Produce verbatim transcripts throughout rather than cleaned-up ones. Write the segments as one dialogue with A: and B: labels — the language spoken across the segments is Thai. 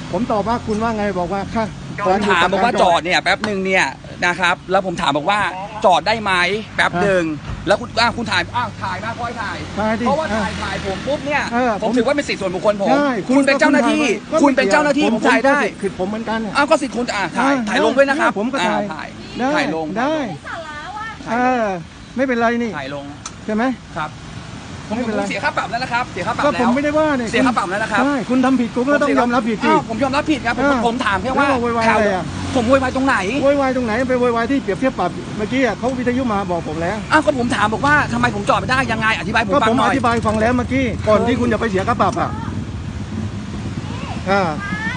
A: ผมตอบว่าคุณว่าไงบอกว่าค่ะ
B: ผมถามบอกว่าจอดเนี่ยแป๊บหนึ่งเนี่ยนะครับแล้วผมถามบอกว่าจอดได้ไหมแป๊บหนึ่งแล้วคุณอ้าวคุณถ่ายอ้าวถ่ายมาค่อยถ่ายเพราะว่าถ่ายถ่ายผมปุ๊บเนี่ยผมถือว่าเป็นสิทธิส่วนบุคคลผมคุณเป็นเจ้าหน้าที่คุณเป็นเจ้าหน้าที่ผมถ่ายได้
A: คือผมเหมือนกัน
B: อ้าวก็สิทธิ์คุณอ่าถ่ายถ่ายลงด้วยนะครับ
A: ผมก็ถ่าย
B: ถ่ายลง
A: ได้เออไม่เป็นไรนี่
B: ถ่ายลง
A: ใช่ไหม
B: ครับผมเสียค่าปรับแล้วนะครับเสียค่าปรับแล้ว
A: ก็ผมไม่ได้ว่าเนี่ย
B: เสียค่าปรับแล้วนะครับ
A: ใช่คุณทำผิดคุณก็ต้องยอมรับผิดสิ
B: ผมยอมรับผิดครับผมถามแค่ว่า
A: ข่าว
B: ผมโวยวายตรงไหน
A: โวยวายตรงไหนไปโวยวายที่เปรียบเทียบปรับเมื่อกี้เขาวิทยุมาบอกผมแล้ว
B: อ้าวก็ผมถามบอกว่าทำไมผมจอดไม่ได้ยังไงอธิบายผมฟังหน่อยก็ผม
A: อธิบายฟังแล้วเมื่อกี้ก่อนที่คุณจะไปเสียค่าปรับอ่ะอ่า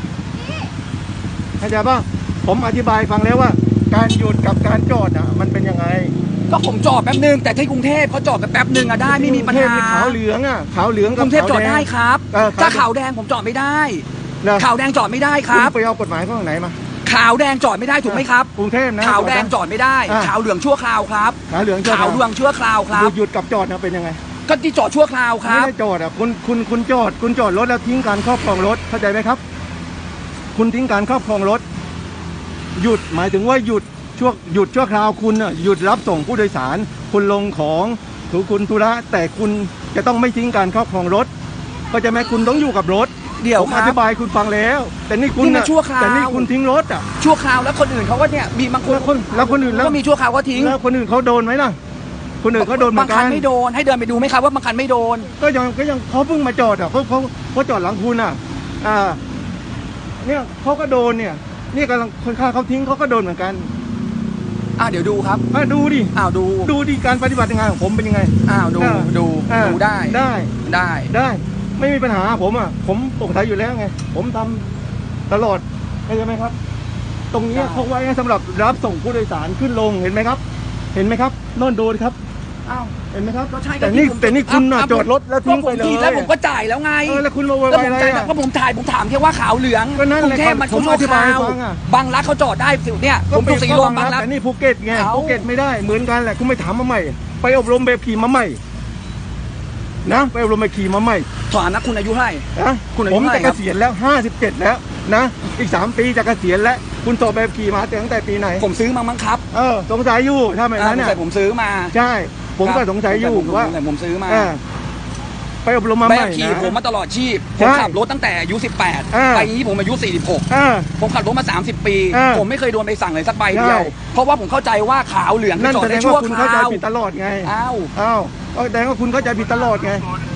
A: เข้าใจป่ะผมอธิบายฟังแล้วว่าการหยุดกับการจอดอ่ะมันเป็นยังไง
B: ก็ผมจอดแป๊บนึงแต่ที่กรุงเทพเขาจอดแป๊บนึงอะได้ไม่มีปัญหา
A: ขาวเหลืองอะขาวเหลือง
B: กรุงเทพจอดได้ครับถ้าขาวแดงผมจอดไม่ได้ขาวแดงจอดไม่ได้ครับ
A: ไปเอากฎหมายข้างไหนมา
B: ขาวแดงจอดไม่ได้ถูกไหมครับ
A: กรุงเทพนะ
B: ขาวแดงจอดไม่ได้ขาวเหลืองชั่วคราวครับ
A: ขาวเหลือง
B: ขาวเหลืองชั่วคราวครับ
A: หยุดกับจอดนะเป็นยังไง
B: ก็ที่จอดชั่วคราวครับ
A: ไม่ได้จอดอะคุณคุณคุณจอดคุณจอดรถแล้วทิ้งการครอบครองรถเข้าใจไหมครับคุณทิ้งการครอบครองรถหยุดหมายถึงว่าหยุดช่วงหยุดชั่วคราวคุณน่ะหยุดรับส่งผู้โดยสารคุณลงของถูกคุณธุระแต่คุณจะต้องไม่ทิ้งการครอบครองรถก็จะแม้คุณต้องอยู่กับรถ
B: เดี๋ยว
A: ผมอธิบายคุณฟังแล้วแต่นี่คุณ
B: น่ะ
A: แต่นี่คุณทิ้งรถอ่ะ
B: ชั่วคราวแล้วคนอื่นเขาก็เนี่ยมีบางคน
A: แล้วคนอื่นแล้ว
B: ก็มีชั่วคราวก็ทิ้ง
A: แล้วคนอื่นเขาโดนไหมล่ะคนอื่นเขาโดนเหมือนกัน
B: บางคันไม่โดนให้เดินไปดูไหมครับว่าบางคันไม่โดน
A: ก็ยังก็ยังเขาเพิ่งมาจอดอ่ะเขาเขาเขาจอดหลังคุณอ่ะอ่าเนี่ยเขาก็โดนเนี่ยนี่กำลังคนข้างเขาทิ้งเขาก็โดนเหมือนกัน
B: อ่าเดี๋ยวดูครับ
A: อ่าดูดิ
B: อ้าวดู
A: ดูดิการปฏิบัติงานของผมเป็นยังไง
B: อ้าวดูดูดูได้
A: ได้
B: ได้
A: ได้ไม่มีปัญหาผมอ่ะผมโปร่งใสอยู่แล้วไงผมทำตลอดเข้าใจไหมครับตรงนี้เขาไว้สำหรับรับส่งผู้โดยสารขึ้นลงเห็นไหมครับ เห็นไหมครับโน่นโดนครับ
B: อ้าว
A: เห็นไหมครับแต่นี่แต่นี่คุณจอดรถแล้วทิ้งไปเลย
B: แล้วผมก็จ่ายแล้วไง
A: แล้วคุณมาโวยวายอะไร
B: ก็ผมถ่ายผมถามแค่ว่าขาวเหลืองกรุงเทพมันชั่วคราวบางรักเขาจอดได้สิเนี่ยผมอยู่สีลมบางรัก
A: แต่นี่ภูเก็ตไงภูเก็ตไม่ได้เหมือนกันแหละคุณไม่ถามมาใหม่ไปอบรมแบบขี่มาใหม่นะไปอบรมแบบขี่มาใหม่
B: ถามนะคุณอายุเท่าไหร่
A: นะผมจะเกษียณแล้วห้าสิบเจ็ดแล้วนะอีกสามปีจะเกษียณแล้วคุณสอบแบบขี่มาตั้งแต่ปีไหน
B: ผมซื้อมามั้งครับ
A: เออสงสัยอยู่ถ้าแบบนั้นเนี่ย
B: ผมซื้อมา
A: ใช่ผมก็สงสัยอยู่ว่า
B: ผมซื้อมา
A: ไปอบรมมาใหม่
B: ขี่ผมมาตลอดชีพผมขับรถตั้งแต่อายุสิบแปดไปนี้ผมอายุสี่สิบหกผมขับรถมาสามสิบปีผมไม่เคยโดนใบสั่งเลยสักใบเดียวเพราะว่าผมเข้าใจว่าขาวเหลือง
A: นั่นแสดงว่าคุณเข้าใจผิดตลอดไง
B: อ้าว
A: อ้าวแสดงว่าคุณเข้าใจผิดตลอดไง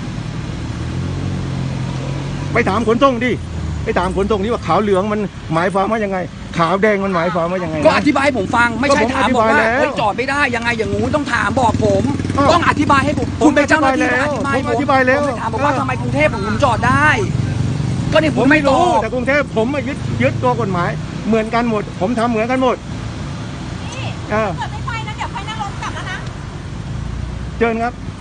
A: ไปถามขนส่งดิไปถามขนส่งดิว่าขาวเหลืองมันหมายความว่ายังไงขาวแดงมันหมายความว่ายังไง
B: ก็อธิบายให้ผมฟังไม่ใช่ถามบอกว่าจอดไม่ได้ยังไงอย่างงูต้องถามบอกผมต้องอธิบายให้ผมคุณเป็นเจ้าหน้าที่
A: ผมอธิบายแล้ว
B: ถามบอกว่าทำไมกรุงเทพผมจอดได้ก็นี่ผมไม่รู้
A: แต่กรุงเทพผมมายึดยึดตัวกฎหมายเหมือนกันหมดผมทำเหมือนกันหมด
C: นี่เกิดไม่ไปนะเดี๋ยวค่อยนั่งรถกลับแล้วนะ
A: เชิญครับ